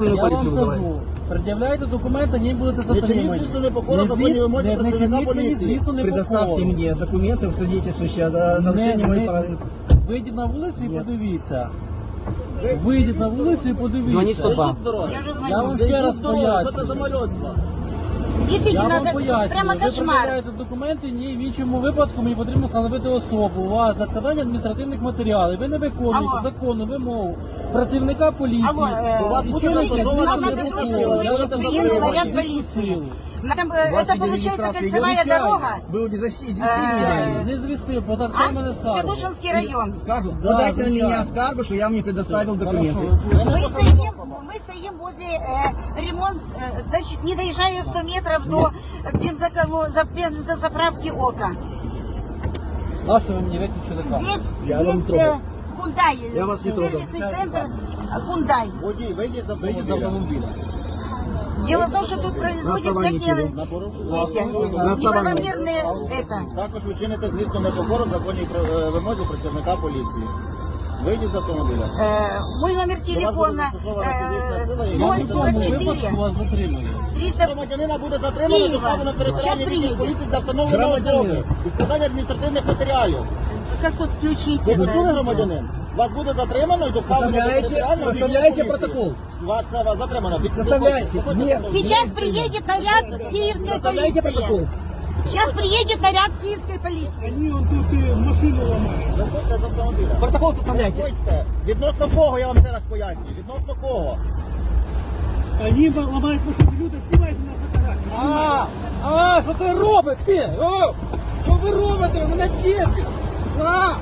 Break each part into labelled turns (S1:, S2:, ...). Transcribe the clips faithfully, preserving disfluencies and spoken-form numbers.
S1: Я
S2: поліцію
S1: вам
S2: визиваю.
S1: кажу, пред'являйте документи, не будете
S3: Не чиніть,
S1: затримані.
S3: звісно, непокору
S1: Не
S3: законній
S1: зві-
S3: вимозі
S1: не- не
S3: працівника
S1: чиніть мені,
S3: поліції.
S1: звісно,
S2: Предоставьте
S1: непокору.
S2: мне документы, свидетельствующие о нарушении
S1: Не-
S2: моих
S1: не-
S2: прав.
S1: Вийдіть на вулицю і подивіться. Вийдіть на вулицю і подивіться.
S2: Звоніть сто два.
S4: Я уже
S1: Я
S4: звоню.
S1: вам ще раз
S3: Що це за
S1: поясню.
S3: мальотство?
S1: Я
S4: Действительно,
S1: вам
S4: это
S1: пояснюю.
S4: прямо
S1: Ви
S4: кошмар.
S1: пред'являєте документи, ні, в іншому випадку мені потрібно встановити особу у вас для складання адміністративних матеріалів. Ви не виконуєте
S4: Алло.
S1: законну вимогу працівника поліції.
S4: Алло, э,
S3: У вас буде
S1: Нічого не
S3: зафіксовано
S1: зробили,
S4: нам
S1: не
S4: надо срочно,
S1: зробили.
S4: чтобы
S1: Я
S4: вы
S1: вас
S4: приехал
S1: запитую,
S4: наряд
S1: вашу
S4: полиции.
S1: силу.
S4: Нам,
S2: У
S4: э,
S2: вас
S4: это
S2: или
S4: получается
S2: регистрация
S4: кольцевая
S2: идет?
S4: дорога.
S2: Был не защитить,
S4: Э,
S1: Не звісти, бо так
S4: А?
S1: це мене скаржить.
S4: Святошинский район.
S2: Скаргу?
S1: Да,
S2: Подайте на
S1: звичайно.
S2: меня скаргу, что я вам не предоставил документы.
S1: Хорошо.
S4: Мы стоим, мы стоим возле э, ремонт, э, доч- не доезжая сто метров до бензоколо, за, бензозаправки ОКА.
S1: Нащо ви мені виключили камеру?
S4: Здесь
S2: Я вам
S4: есть
S2: трогаю.
S4: э, Hyundai,
S2: Я вас не трогаю.
S4: сервисный центр э, Hyundai.
S3: Водій, вийдіть з
S1: Вийдіть з
S3: автомобіля.
S1: автомобіля.
S4: Дело в том, что тут производят
S2: основании
S4: всякие
S3: На порушення.
S4: эти,
S2: На основании.
S4: неправомерные это.
S3: Також ви чините, звісно, непокору законній е, вимозі працівника поліції. Вийдіть з автомобіля.
S4: Э, мой номер телефона э,
S1: Я
S4: ноль
S1: в
S4: сорок
S1: цьому
S4: четыре
S1: випадку вас затримую.
S4: триста.
S3: Громадянина буде затримано, доставлено в територіальний
S4: Щас
S3: відділ
S4: приїде.
S3: поліції для встановлення особи і складання адміністративних матеріалів.
S4: Как тут включить?
S3: Ви
S4: это?
S3: почули, громадянин? Вас буде затримано і доставлено до
S2: Составляєте-
S3: територіального відділу
S2: составляєте
S3: поліції.
S2: протокол?
S3: Вас це вас затримано. Під-
S2: Составляйте.
S3: Виходьте
S2: Нет.
S3: з автомобіля.
S4: Сейчас приедет наряд киевской
S2: Составляйте протокол.
S4: полиции. Сейчас приедет наряд киевской полиции.
S3: Виходьте з автомобіля.
S2: Протокол составляйте.
S3: Виходьте. Відносно кого, я вам ще раз пояснюю. Відносно кого?
S5: Они ломают машину, люди снимают на фотографии.
S1: А, а, що ти робиш ти? О, що ви робите? Мене діти. А!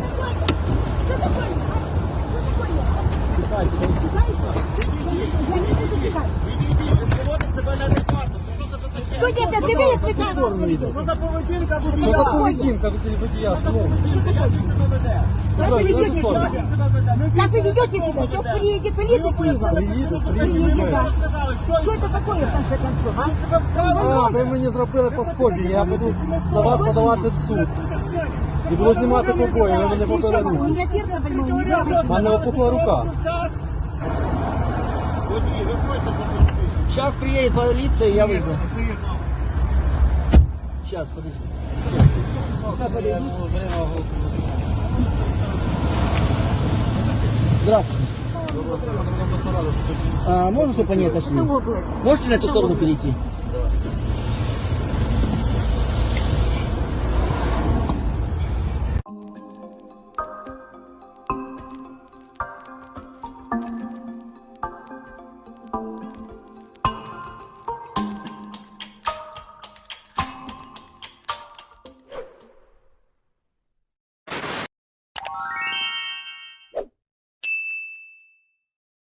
S3: Поводить себе неадекватно. Що це за таке?
S4: Кто тебя? Ты видишь, ты
S3: Що за поведінка
S1: Що
S3: водія?
S1: за поведінка від водія? Слово.
S3: Як він себе веде?
S4: Как вы ведете
S3: Як
S4: себя?
S3: він себе веде? Ну,
S4: Как вы ведете себя? Сейчас приедет полиция Киева. Приедет, да. Что это такое, в конце концов, а?
S1: А, ви мені зробили пошкодження, я буду на вас подавати в суд. І буду знімати побої, ви мене
S4: И что, у
S1: попередили.
S4: меня сердце больное, не
S1: У
S4: трогайте.
S1: мене опухла рука.
S3: Водій, виходьте з автомобіля.
S2: Сейчас приедет полиция, я выйду. Сейчас, подожди. Здравствуйте. А, можно, чтобы они отошли? Можете на эту сторону перейти?